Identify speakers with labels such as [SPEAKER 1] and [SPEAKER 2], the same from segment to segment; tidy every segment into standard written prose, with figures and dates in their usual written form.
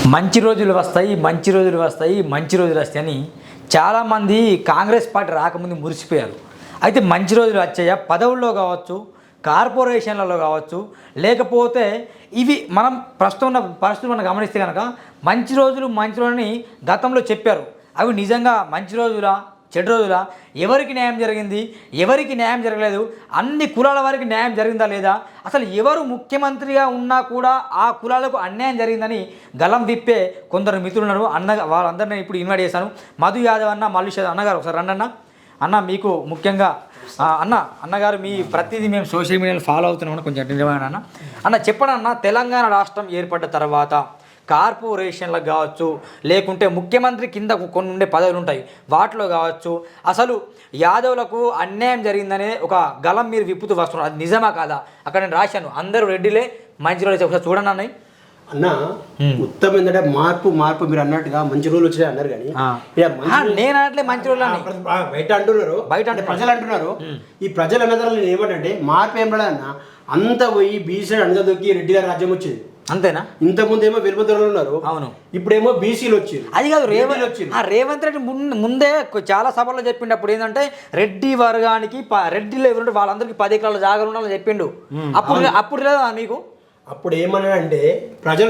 [SPEAKER 1] మంచి రోజులు వస్తాయి మంచి రోజులు వస్తాయి మంచి రోజులు వస్తాయని చాలామంది కాంగ్రెస్ పార్టీ రాకముందు మురిసిపోయారు. అయితే మంచి రోజులు వచ్చాయా? పదవుల్లో కావచ్చు, కార్పొరేషన్లలో కావచ్చు, లేకపోతే ఇవి మనం ప్రస్తుతం ఉన్న పరిస్థితులు మనం గమనిస్తే కనుక మంచి రోజులని గతంలో చెప్పారు. అవి నిజంగా మంచి రోజులా చెడు రోజులా? ఎవరికి న్యాయం జరిగింది, ఎవరికి న్యాయం జరగలేదు, అన్ని కులాల వారికి న్యాయం జరిగిందా లేదా, అసలు ఎవరు ముఖ్యమంత్రిగా ఉన్నా కూడా ఆ కులాలకు అన్యాయం జరిగిందని గలం విప్పే కొందరు మిత్రులు ఉన్నారు. వాళ్ళందరినీ ఇప్పుడు ఇన్వైట్ చేశాను. మధు యాదవ్ అన్న, మల్లేష్ యాదవ్ అన్నగారు ఒకసారి రండి అన్న. మీకు ముఖ్యంగా అన్నగారు మీ ప్రతిదీ మేము సోషల్ మీడియాలో ఫాలో అవుతున్నాం, కొంచెం అటెండ్ అన్న చెప్పండి అన్న. తెలంగాణ రాష్ట్రం ఏర్పడ్డ తర్వాత కార్పొరేషన్లకు కావచ్చు, లేకుంటే ముఖ్యమంత్రి కింద కొన్ని ఉండే పదవులు ఉంటాయి, వాటిలో కావచ్చు, అసలు యాదవులకు అన్యాయం జరిగిందనే ఒక గలం మీరు విప్పుతూ వస్తున్నారు. అది నిజమా కాదా? అక్కడ నేను రాశాను, అందరూ రెడ్డిలే మంచి రోజులు. ఒకసారి చూడండి అన్నయ్య.
[SPEAKER 2] అన్న ఉత్తమం ఏంటంటే మార్పు మీరు అన్నట్టుగా మంచి రోజులు వచ్చినాయి అన్నారు. కానీ
[SPEAKER 1] నేను అనట్లే మంచి రోజులు అని
[SPEAKER 2] బయట అంటున్నారు, ప్రజలు అంటున్నారు. ఈ ప్రజలు అన్నదాన్ని నేను ఏమంటే మార్పు ఏం పడదు అన్న. అంత పోయి బీసీ అణగదొక్కి రెడ్డి గారి రాజ్యం వచ్చింది, అంతేనా? ఇంతకుముందు ఏమో వెలుపదొరలు ఉన్నారు, అవును. ఇప్పుడేమో బీసీలు వచ్చింది.
[SPEAKER 1] అది కాదు, రేవంత్ రెడ్డి ముందే చాలా సభల్లో చెప్పిండు. అప్పుడు ఏంటంటే రెడ్డి వర్గానికి రెడ్డిలో ఎవరుంటే వాళ్ళందరికీ 10 ఎకరాల జాగాలు ఉండాలని చెప్పిండు. అప్పుడు లేదా మీకు?
[SPEAKER 2] అప్పుడు ఏమన్నాడంటే ప్రజలు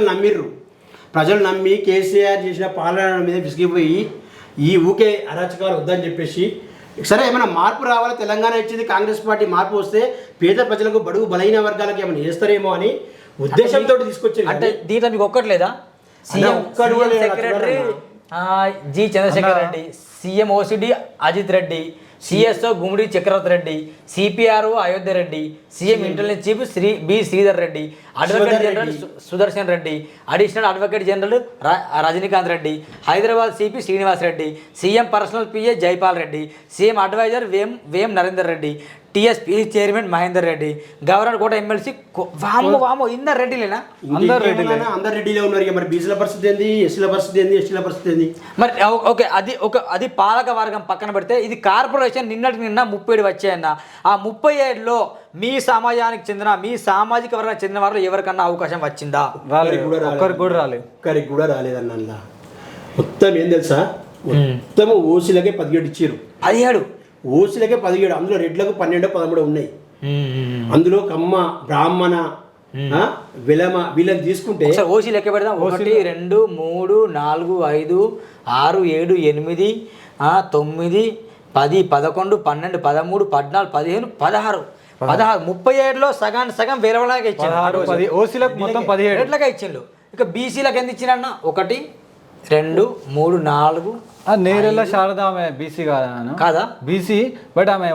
[SPEAKER 2] నమ్మి కేసీఆర్ చేసిన పాలన మీద విసిగిపోయి ఈ ఊకే అరాచకాలు వద్దని చెప్పేసి, సరే ఏమైనా మార్పు రావాలి, తెలంగాణ ఇచ్చింది కాంగ్రెస్ పార్టీ, మార్పు వస్తే పేద ప్రజలకు బడుగు బలహీన వర్గాలకు ఏమైనా చేస్తారేమో అని ఉద్దేశంతో తీసుకొచ్చింది.
[SPEAKER 1] అంటే దీంట్లో మీకు ఒక్కట్లేదా? CM secretary G Chandrashekar Reddy, CM OSD Ajith Reddy, CSO Gummadi Chakravarthi Reddy, CPRO Ayodhya Reddy, CM intelligence chief B Sridhar Reddy, advocate general Sudarshan Reddy, additional advocate general Rajinikanth Reddy, Hyderabad CP Srinivas Reddy, CM personal PA Jaipal Reddy, CM advisor Vem Narender Reddy, TSP chairman Mahender Reddy, governor quota MLC వామో ఇందరు రెడ్డిలేనా?
[SPEAKER 2] అందరు రెడ్డిలే ఉన్నారు. మరి బీసీల పరిస్థితి ఏంది, ఎస్సీల పరిస్థితి ఏంది, ఎస్టీల పరిస్థితి ఏంది?
[SPEAKER 1] మరి ఓకే, అది పాలక వర్గం పక్కన పెడితే ఇది కార్పొరేషన్. నిన్న 37 వచ్చాయన్న. ఆ 37లో మీ సమాజానికి చెందిన, మీ సామాజిక వర్గానికి చెందిన వారు ఎవరికన్నా అవకాశం వచ్చిందా?
[SPEAKER 2] ఒక్కరికి కూడా రాలేదన్న. మొత్తం ఏం తెలుసా, మొత్తం ఓసీలకే 17 ఇచ్చారు.
[SPEAKER 1] 17
[SPEAKER 2] ఓసీలకే 17. అందులో రెడ్లకు 12, 13 ఉన్నాయి. అందులో కమ్మ, బ్రాహ్మణ, విలమ వీళ్ళని తీసుకుంటే
[SPEAKER 1] ఓసీ లెక్క పెడదాం. 1 2 3 4 5 6 7 8 9 10 11 12 13 14 15 16 37లో సగం వేరేలాగా ఇచ్చిండు.
[SPEAKER 3] ఓసీలకు మొత్తం 17
[SPEAKER 1] రెడ్లకే ఇచ్చిండు. ఇక బీసీలకు ఎంత ఇచ్చినన్న? 1 2 3 4
[SPEAKER 3] నేరెళ్ళ శారద ఆమె బీసీ కాదా? బీసీ, బట్ ఆమె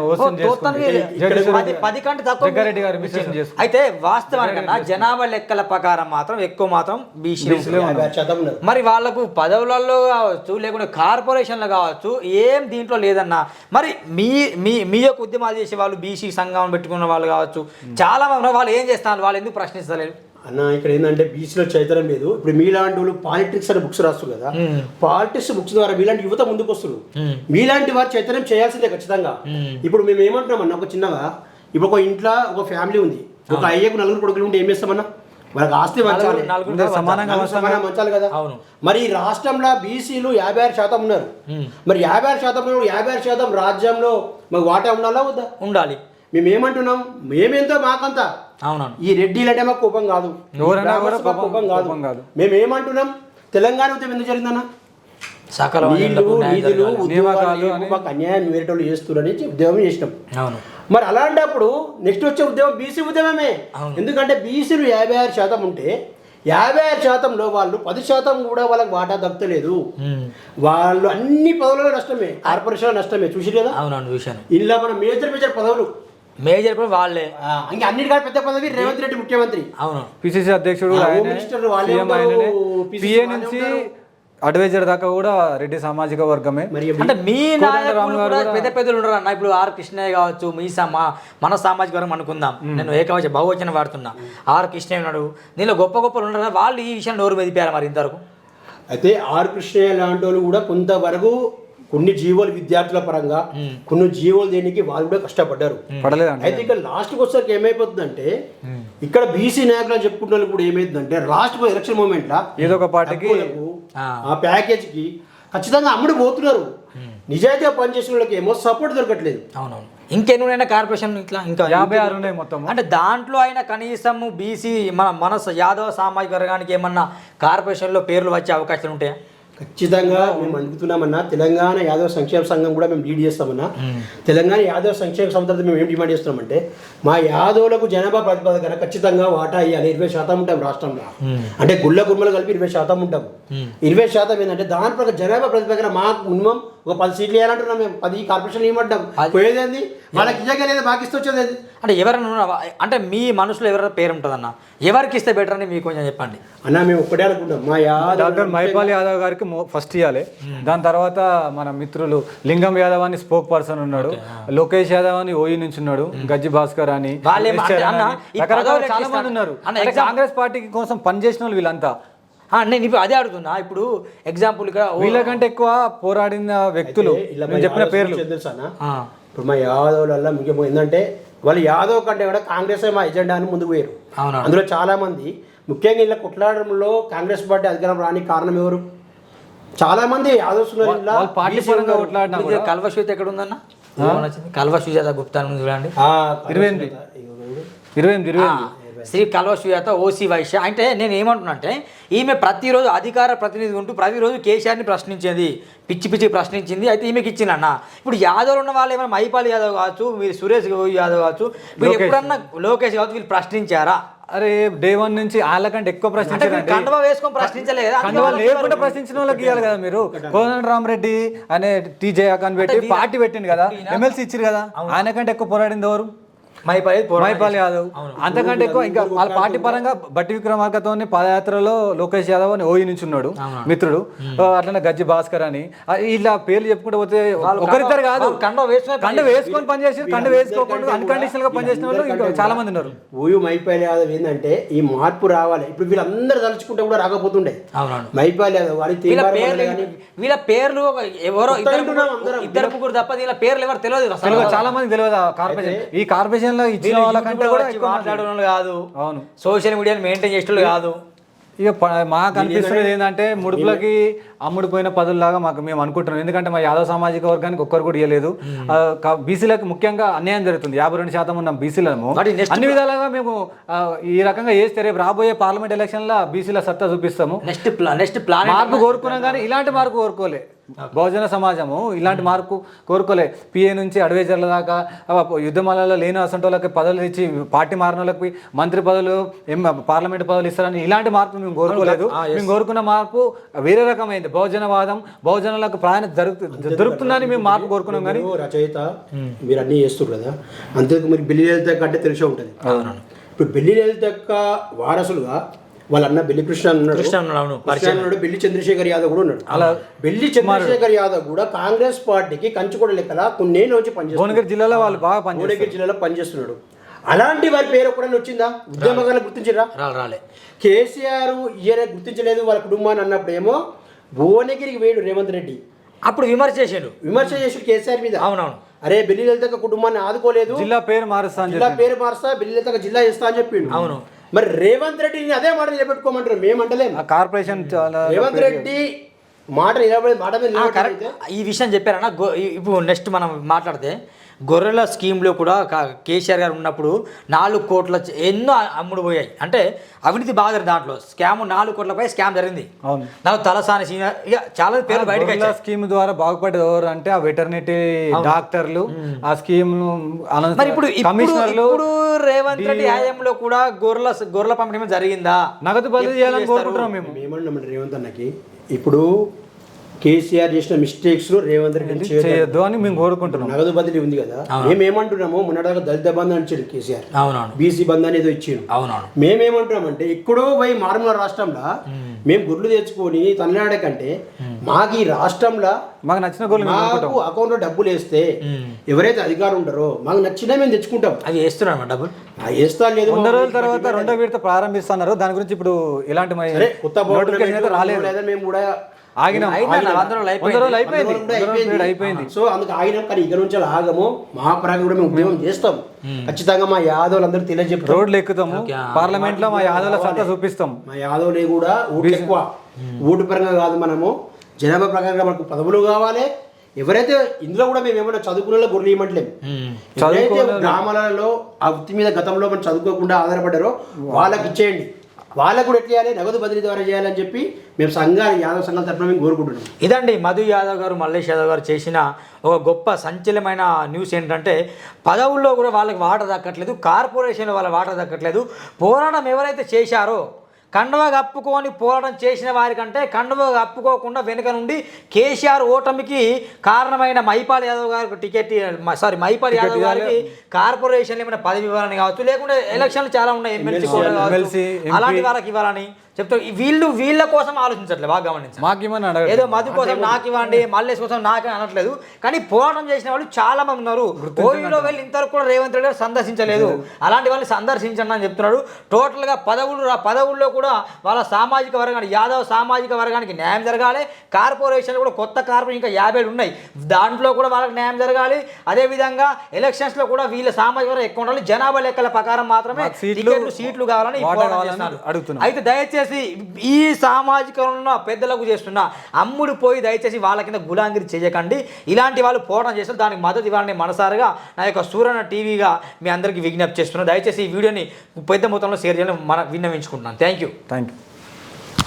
[SPEAKER 1] 10 కంటే తక్కువ. అయితే వాస్తవానికన్నా జనాభా లెక్కల ప్రకారం మాత్రం ఎక్కువ మాత్రం బీసీ. మరి వాళ్ళకు పదవులలో కావచ్చు, లేకుంటే కార్పొరేషన్లో కావచ్చు, ఏం దీంట్లో లేదన్నా. మరి మీ యొక్క ఉద్యమాలు చేసే వాళ్ళు, బీసీ సంఘం పెట్టుకున్న వాళ్ళు కావచ్చు, చాలా మంది వాళ్ళు ఏం చేస్తున్నారు? వాళ్ళు ఎందుకు ప్రశ్నిస్తలేరు
[SPEAKER 2] అన్న? ఇక్కడ ఏంటంటే బీసీలో చైతన్యం లేదు. ఇప్పుడు మీలాంటి వాళ్ళు పాలిటిక్స్ అనే బుక్స్ రాస్తారు కదా, పాలిటిక్స్ బుక్స్ ద్వారా మీలాంటి యువత ముందుకు వస్తున్నారు. మీలాంటి వారు చైతన్యం చేయాల్సిందే ఖచ్చితంగా. ఇప్పుడు మేము ఏమంటున్నాం అన్న, ఒక చిన్నగా ఇప్పుడు ఒక ఇంట్లో ఒక ఫ్యామిలీ ఉంది, ఒక అయ్యకు 4 కొడుకులు ఉంటే ఏం చేస్తామన్నా? వాళ్ళకి ఆస్తి పంచాలి, సమానంగా పంచాలి కదా. మరి ఈ రాష్ట్రంలో బీసీలు 56% ఉన్నారు. మరి 56% 56% రాజ్యంలో మాకు వాటా ఉండాలా వద్దా?
[SPEAKER 1] ఉండాలి.
[SPEAKER 2] మేమేమంటున్నాం, మేమేంతో మాకంతా.
[SPEAKER 1] అవునవును.
[SPEAKER 2] ఈ రెడ్డిలంటే మాకు కోపం కాదు, కోపం కాదు. మేమేమంటున్నాం, తెలంగాణ ఉద్యమం ఎందుకు జరిగిందన్న? నిధులు మాకు అన్యాయం వేరేటోళ్ళు చేస్తున్నారని ఉద్యమం చేసినాం. మరి అలాంటప్పుడు నెక్స్ట్ వచ్చే ఉద్యమం బీసీ ఉద్యమమే. ఎందుకంటే బీసీలు 56% ఉంటే 56%లో వాళ్ళు 10% కూడా వాళ్ళకి వాటా దక్కలేదు. వాళ్ళు అన్ని పదవులలో నష్టమే, కార్పొరేషన్ నష్టమే. చూసి కదా ఇలా మన మేజర్ పదవులు
[SPEAKER 1] వాళ్ళే.
[SPEAKER 2] ఇంకా అన్నిటికంటే పెద్ద పదవి రేవంత్ రెడ్డి ముఖ్యమంత్రి,
[SPEAKER 3] అవును. పిసిసి అధ్యక్షుడు, పిఏ నుంచి అడ్వైజర్ దాకా కూడా రెడ్డి సామాజిక వర్గమే.
[SPEAKER 1] అంటే మీ పెద్ద పెద్దలు ఉండరు అన్న. ఇప్పుడు ఆర్ కృష్ణయ్య కావచ్చు, మన సామాజిక వర్గం అనుకుందాం. నేను ఏకవచన బహువచనం వాడుతున్నా. ఆర్ కృష్ణయ్య ఉన్నాడు, దీనిలో గొప్పలు ఉండరు. వాళ్ళు ఈ విషయం నోరు మెదిపారు మరి ఇంతవరకు.
[SPEAKER 2] అయితే ఆర్ కృష్ణయ్య లాంటి వాళ్ళు కూడా కొంతవరకు కొన్ని జీవోలు విద్యార్థుల పరంగా, కొన్ని జీవోలు దేనికి వాళ్ళు కూడా కష్టపడ్డారు. అయితే ఇక్కడ లాస్ట్కి వచ్చేసరికి ఏమైపోతుందంటే ఇక్కడ బీసీ నాయకులు అని చెప్పుకుంటున్న వాళ్ళు కూడా ఏమైందంటే లాస్ట్ ఎలక్షన్ మూమెంట్ లా
[SPEAKER 3] ఏదో ఒక పార్టీకి
[SPEAKER 2] ఆ ప్యాకేజ్కి ఖచ్చితంగా అమ్ముడు పోతున్నారు. నిజాయితీగా పనిచేసిన వాళ్ళకి ఏమో సపోర్ట్ దొరకట్లేదు.
[SPEAKER 1] అవునవును. ఇంకెన్నున్నాయి కార్పొరేషన్ ఇట్లా ఇంకా
[SPEAKER 3] 56 ఉన్నాయి మొత్తం.
[SPEAKER 1] అంటే దాంట్లో అయినా కనీసం బీసీ మన యాదవ సామాజిక వర్గానికి ఏమన్నా కార్పొరేషన్లో పేర్లు వచ్చే అవకాశాలు ఉంటాయా?
[SPEAKER 2] ఖచ్చితంగా మేము అడుగుతున్నామన్నా, తెలంగాణ యాదవ సంక్షేమ సంఘం కూడా మేము లీడ్ చేస్తామన్నా. తెలంగాణ యాదవ సంక్షేమ సంస్థ మేము ఏం డిమాండ్ చేస్తున్నామంటే మా యాదవులకు జనాభా ప్రతిపాదన ఖచ్చితంగా వాటా ఇవ్వాలి. 20% ఉంటాం రాష్ట్రంలో. అంటే గుళ్ళ గుమ్మలు కలిపి 20% ఉంటాము. 20% ఏంటంటే దాని ప్రకారం జనాభా ప్రతిపాదన మాకు మినిమం ఒక 10 సీట్లు వేయాలంటున్నాం. మేము 10 కార్పొరేషన్ ఇవ్వమంటాం. పోయేది వాళ్ళకి ఇచ్చగా లేదా మాకు ఇస్తే వచ్చేది.
[SPEAKER 1] అంటే ఎవరైనా అంటే మీ మనసులో ఎవరైనా పేరు ఉంటుందన్న, ఎవరికి ఇస్తే బెటర్ అని మీకు కొంచెం చెప్పండి
[SPEAKER 2] అన్న. మేము ఒక్కటే అనుకుంటాం, మా
[SPEAKER 3] డాక్టర్ మైపాల్ యాదవ్ గారికి ఫస్ట్ ఇవ్వాలి. దాని తర్వాత మన మిత్రులు లింగం యాదవ్ అని స్పోక్ పర్సన్ ఉన్నాడు, లోకేష్ యాదవ్ అని ఓయి నుంచి ఉన్నాడు, గజ్జి భాస్కర్ అని, రకరకాల చాలా మంది ఉన్నారు. కాంగ్రెస్ పార్టీ కోసం పనిచేసిన వాళ్ళు వీళ్ళంతా.
[SPEAKER 1] నేను ఇప్పుడు అదే అడుగుతున్నా. ఇప్పుడు ఎగ్జాంపుల్ ఇక్కడ
[SPEAKER 3] వీళ్ళకంటే ఎక్కువ పోరాడిన వ్యక్తులు చెప్పిన పేర్లు
[SPEAKER 2] తెలుసానా? ఇప్పుడు మా యాదవులలో ముఖ్యంగా ఏంటంటే వాళ్ళు యాదవ్ కంటే కూడా కాంగ్రెస్ మా ఎజెండా అని ముందుకు పోయారు. అందులో చాలా మంది ముఖ్యంగా ఇలా కొట్లాడడంలో కాంగ్రెస్ పార్టీ అధికారం రాని కారణం ఎవరు? చాలా మంది యాదవ్స్
[SPEAKER 3] పార్టీ పరంగా కొట్లాడిన.
[SPEAKER 1] కల్వ శ్వేత ఎక్కడ ఉందన్న? కల్వ శ్వేత గుప్తా చూడండి,
[SPEAKER 3] 28
[SPEAKER 1] శ్రీ కల్వ శ్వేత ఓసీ వైశ్య. అంటే నేను ఏమంటున్నా అంటే ఈమె ప్రతిరోజు అధికార ప్రతినిధి ఉంటూ ప్రతిరోజు కేసీఆర్ని ప్రశ్నించేది, పిచ్చి ప్రశ్నించింది. అయితే ఈమెకి ఇచ్చిందన్న. ఇప్పుడు యాదవ్లు ఉన్న వాళ్ళు ఏమైనా మైపాల్ యాదవ్ కావచ్చు, మీరు సురేష్ యాదవ్ కావచ్చు, మీరు ఎప్పుడన్నా లోకేష్ కావచ్చు, వీళ్ళు ప్రశ్నించారా?
[SPEAKER 3] అరే డే 1 నుంచి వాళ్ళకంటే ఎక్కువ ప్రశ్నించారు.
[SPEAKER 1] కండువా వేసుకొని ప్రశ్నించలే కదా,
[SPEAKER 3] కండువా లేకుండా ప్రశ్నించిన వాళ్ళకి ఇవ్వాలి కదా. మీరు కోదండరామరెడ్డి అనే టీజే అకాన్ పెట్టి పార్టీ పెట్టింది కదా, ఎమ్మెల్సీ ఇచ్చారు కదా, ఆయన కంటే ఎక్కువ పోరాడింది ఎవరు? మైపాల్ యాదవ్. అంతకంటే ఎక్కువ ఇంకా వాళ్ళ పార్టీ పరంగా బట్టి విక్రమార్కతో పాదయాత్రలో లోకేష్ యాదవ్ అని ఓయి నుంచి ఉన్నాడు మిత్రుడు, అట్లనే గజ్జి భాస్కర్ అని. ఇలా పేర్లు చెప్పుకుంటూ పోతే ఒకరిద్దరు కాదు, కండ వేసుకొని పనిచేసి కండ వేసుకోకుండా అన్కండిషనల్ గా పనిచేసిన వాళ్ళు ఇంకా చాలా మంది ఉన్నారు.
[SPEAKER 2] ఓయూ మైపాల్ యాదవ్ ఏంటంటే ఈ మార్పు రావాలి. ఇప్పుడు వీళ్ళందరూ తలుచుకుంటే కూడా రాకపోతుండే. మైపాల్ యాదవ్
[SPEAKER 1] వీళ్ళ పేర్లు ఎవరో ఇద్దరు ముగ్గురు తప్ప వీళ్ళ పేర్లు ఎవరు తెలియదు,
[SPEAKER 3] చాలా మంది తెలియదు. కార్పొరేషన్ ఈ కార్పొరేషన్ ఇచ్చిన వాళ్ళకంటే కూడా ఎక్కువ
[SPEAKER 1] మాట్లాడే వాళ్ళు కాదు.
[SPEAKER 3] అవును,
[SPEAKER 1] సోషల్ మీడియాని మెయింటైన్ చేసేవాళ్ళు కాదు.
[SPEAKER 3] ఇక మాకు అనిపిస్తున్నది ఏంటంటే ముడుపులకి అమ్ముడుపోయిన పదుల్లాగా మాకు మేము అనుకుంటున్నాం. ఎందుకంటే మా యాదవ్ సామాజిక వర్గానికి ఒక్కరు కూడా ఇవ్వలేదు. బీసీలకు ముఖ్యంగా అన్యాయం జరుగుతుంది. 52% ఉన్న బీసీలను అన్ని విధాలుగా మేము ఈ రకంగా చేస్తే రేపు రాబోయే పార్లమెంట్ ఎలక్షన్లో బీసీల సత్తా చూపిస్తాము.
[SPEAKER 1] నెక్స్ట్ ప్లాన్
[SPEAKER 3] మార్పు కోరుకున్నాం, కానీ ఇలాంటి మార్పు కోరుకోలే. బహుజన సమాజము ఇలాంటి మార్పు కోరుకోలే. పిఏ నుంచి అడ్వైజర్ల దాకా యుద్ధమాలలో లేని అసంటోళ్ళకి పదవులు ఇచ్చి పార్టీ మారిన వాళ్ళకి మంత్రి పదవులు, పార్లమెంట్ పదవులు ఇస్తారని ఇలాంటి మార్పు మేము కోరుకోలేదు. మేము కోరుకున్న మార్పు వేరే రకమైంది. బహుజనవాదం, బహుజనులకు ప్రాధాన్యత దొరుకుతుందని మేము మార్పు కోరుకున్నాం. కానీ
[SPEAKER 2] రచయిత మీరు అన్నీ చేస్తారు కదా, అంతకు మీరు బెల్లి లలిత అంటే తెలిసే ఉంటుంది. ఇప్పుడు బెల్లి లలిత యొక్క వారసులుగా వాళ్ళ అన్న బెల్లి కృష్ణ ఉన్నాడు, బెల్లి చంద్రశేఖర్ యాదవ్ కూడా ఉన్నాడు. అలా బెల్లి చంద్రశేఖర్ యాదవ్ కూడా కాంగ్రెస్ పార్టీకి కంచుకోవడం లెక్కల కొన్నేళ్ళ నుంచి పనిచేస్తారు.
[SPEAKER 3] భువనగిరి జిల్లాలో వాళ్ళు బాగా
[SPEAKER 2] భువనగిరి జిల్లాలో పనిచేస్తున్నాడు. అలాంటి వారి పేరు ఎప్పుడైనా వచ్చిందా? ఉద్యమకాలను గుర్తించరా?
[SPEAKER 1] రాలే.
[SPEAKER 2] కేసీఆర్ ఈయన గుర్తించలేదు వాళ్ళ కుటుంబాన్ని అన్నప్పుడు ఏమో భువనగిరికి వేడు రేవంత్ రెడ్డి
[SPEAKER 1] అప్పుడు విమర్శ చేసాడు
[SPEAKER 2] కేసీఆర్ మీద.
[SPEAKER 1] అవునవును,
[SPEAKER 2] అరే బెల్లి లలిత కుటుంబాన్ని ఆదుకోలేదు,
[SPEAKER 3] జిల్లా పేరు మారుస్తా
[SPEAKER 2] బెల్లి లలిత జిల్లా ఇస్తా అని చెప్పిండు.
[SPEAKER 1] అవును,
[SPEAKER 2] మరి రేవంత్ రెడ్డిని అదే మాట నిలబెట్టుకోమంటారు. మేమంటలేము.
[SPEAKER 3] కార్పొరేషన్
[SPEAKER 2] రేవంత్ రెడ్డి మాట
[SPEAKER 1] ఈ విషయం చెప్పారన్న. ఇప్పుడు నెక్స్ట్ మనం మాట్లాడితే గొర్రెల స్కీమ్లో కూడా కేసీఆర్ గారు ఉన్నప్పుడు 4 కోట్ల ఎన్నో అమ్ముడు పోయాయి. అంటే అవినీతి బాగా దాంట్లో స్కామ్ 4 కోట్లపై స్కామ్ జరిగింది. దాంట్లో తలసాని సీనియర్ ఇక చాలా పేర్లు బయటకు
[SPEAKER 3] స్కీమ్ ద్వారా బాగుపడేది ఎవరు అంటే ఆ వెటర్నరీ డాక్టర్లు. ఆ స్కీమ్
[SPEAKER 1] మరి ఇప్పుడు కమిషనర్లు రేవంత్ రెడ్డి హయాంలో కూడా గొర్రెల పంపిణీ జరిగిందా?
[SPEAKER 3] నగదు బదిలీ చేయాలని కోరుకుంటున్నాం మేము.
[SPEAKER 2] ఏమన్నామంటే రేవంత్ అన్నకి ఇప్పుడు కేసీఆర్ చేసిన మిస్టేక్స్ రేవంత్ రెడ్డి
[SPEAKER 3] చేయొద్దు అని మేము కోరుకుంటున్నాం.
[SPEAKER 2] నగదు బదిలీ ఉంది కదా, మేమేమంటున్నాము మొన్నటిదాకా దళిత బంధు అని ఇచ్చాడు కేసీఆర్, బీసీ బంధు అనేది ఇచ్చాడు. మేమేమంటున్నామంటే ఎక్కడో పోయి మారుమూల రాష్ట్రంలో మేము గుడ్లు తెచ్చుకొని తమిళనాడు కంటే మాకు ఈ రాష్ట్రంలో
[SPEAKER 3] మాకు నచ్చిన గొర్రెలు
[SPEAKER 2] మాకు అకౌంట్లో డబ్బులు వేస్తే ఎవరైతే అధికారులు ఉంటారో మాకు నచ్చినా మేము తెచ్చుకుంటాం.
[SPEAKER 1] అది వేస్తున్నాం డబ్బులు
[SPEAKER 2] వేస్తా లేదు.
[SPEAKER 3] 100 రోజుల తర్వాత 2వ విడత ప్రారంభిస్తున్నారు. దాని గురించి ఇప్పుడు ఎలాంటి
[SPEAKER 2] కొత్త రాలేదు. మేము కూడా
[SPEAKER 3] ఆగినాం.
[SPEAKER 1] అయిపోయింది.
[SPEAKER 3] 100 రోజులు అయిపోయింది. 100 రోజులు అయిపోయింది.
[SPEAKER 2] సో అందుకు ఆగినాం, కానీ ఇక నుంచి అలా ఆగము. మా పరంగా కూడా మేము ఉద్యమం చేస్తాం. ఖచ్చితంగా మా యాదవులందరూ తెలియజెప్తాం.
[SPEAKER 3] రోడ్లు ఎక్కుతాము, పార్లమెంట్ లో మా యాదవుల సత్తా చూపిస్తాం.
[SPEAKER 2] మా యాదవులే కూడా ఓట్లు ఎక్కువ, ఓటు పరంగా కాదు, మనము జనాభా ప్రకారంగా మనకు పదవులు కావాలి. ఎవరైతే ఇందులో కూడా మేము ఏమైనా చదువుకునే గొర్రెలు ఇవ్వట్లేము. ఎవరైతే గ్రామాలలో ఆ వృత్తి మీద గతంలో మనం చదువుకోకుండా ఆధారపడ్డారో వాళ్ళకి ఇచ్చేయండి. వాళ్ళకు కూడా ఎట్లా చేయాలి, నగదు బదిలీ ద్వారా చేయాలని చెప్పి మేము సంఘాలు యాదవ్ సంఘాల తరఫున మేము కోరుకుంటున్నాం.
[SPEAKER 1] ఇదండి మధు యాదవ్ గారు, మల్లేష్ యాదవ్ గారు చేసిన ఒక గొప్ప సంచలనమైన న్యూస్ ఏంటంటే పదవుల్లో కూడా వాళ్ళకి వాటర్ దక్కట్లేదు, కార్పొరేషన్లో వాళ్ళ వాటర్ దక్కట్లేదు. పోరాటం ఎవరైతే చేశారో కండువా కప్పుకొని పోరాటం చేసిన వారికంటే కండువా కప్పుకోకుండా వెనుక నుండి కేసీఆర్ ఓటమికి కారణమైన మైపాల్ యాదవ్ గారికి మైపాల్ యాదవ్ గారికి కార్పొరేషన్లు ఏమైనా పదవి ఇవ్వాలని కావచ్చు, లేకుంటే ఎలక్షన్లు చాలా ఉన్నాయి, ఎమ్మెల్సీ అలాంటి వాళ్ళకి ఇవ్వాలని చెప్తా. వీళ్ళ కోసం ఆలోచించట్లేదు, బాగా గమనించాలి. ఏదో మధు కోసం నాకు ఇవ్వండి, మల్లేష్ కోసం నాకే అనట్లేదు. కానీ పోరాటం చేసిన వాళ్ళు చాలా మంది ఉన్నారు. ఓయూలో వెళ్ళి ఇంతవరకు కూడా రేవంత్ రెడ్డి గారు సందర్శించలేదు. అలాంటి వాళ్ళని సందర్శించండి అని చెప్తున్నాడు. టోటల్గా పదవుల్లో కూడా వాళ్ళ సామాజిక వర్గానికి, యాదవ్ సామాజిక వర్గానికి న్యాయం జరగాలి. కార్పొరేషన్లు కూడా కొత్త కార్పొరేషన్ ఇంకా 50 ఉన్నాయి, దాంట్లో కూడా వాళ్ళకి న్యాయం జరగాలి. అదేవిధంగా ఎలక్షన్స్లో కూడా వీళ్ళ సామాజిక వర్గం ఎక్కువ ఉండాలి. జనాభా లెక్కల ప్రకారం మాత్రమే సీట్లు కావాలని అడుగుతున్నారు. అయితే దయచేసి ఈ సామాజికంలో పెద్దలకు చేస్తున్న అమ్ముడు పోయి దయచేసి వాళ్ళ కింద గులాంగిరి చేయకండి. ఇలాంటి వాళ్ళు పోరాటం చేస్తారు, దానికి మద్దతు ఇవ్వాలని మనసారిగా నా యొక్క సూరన్న టీవీగా మీ అందరికీ విజ్ఞప్తి చేస్తున్నాను. దయచేసి ఈ వీడియోని పెద్ద మొత్తంలో షేర్ చేయాలని విన్నవించుకుంటున్నాను. Thank you.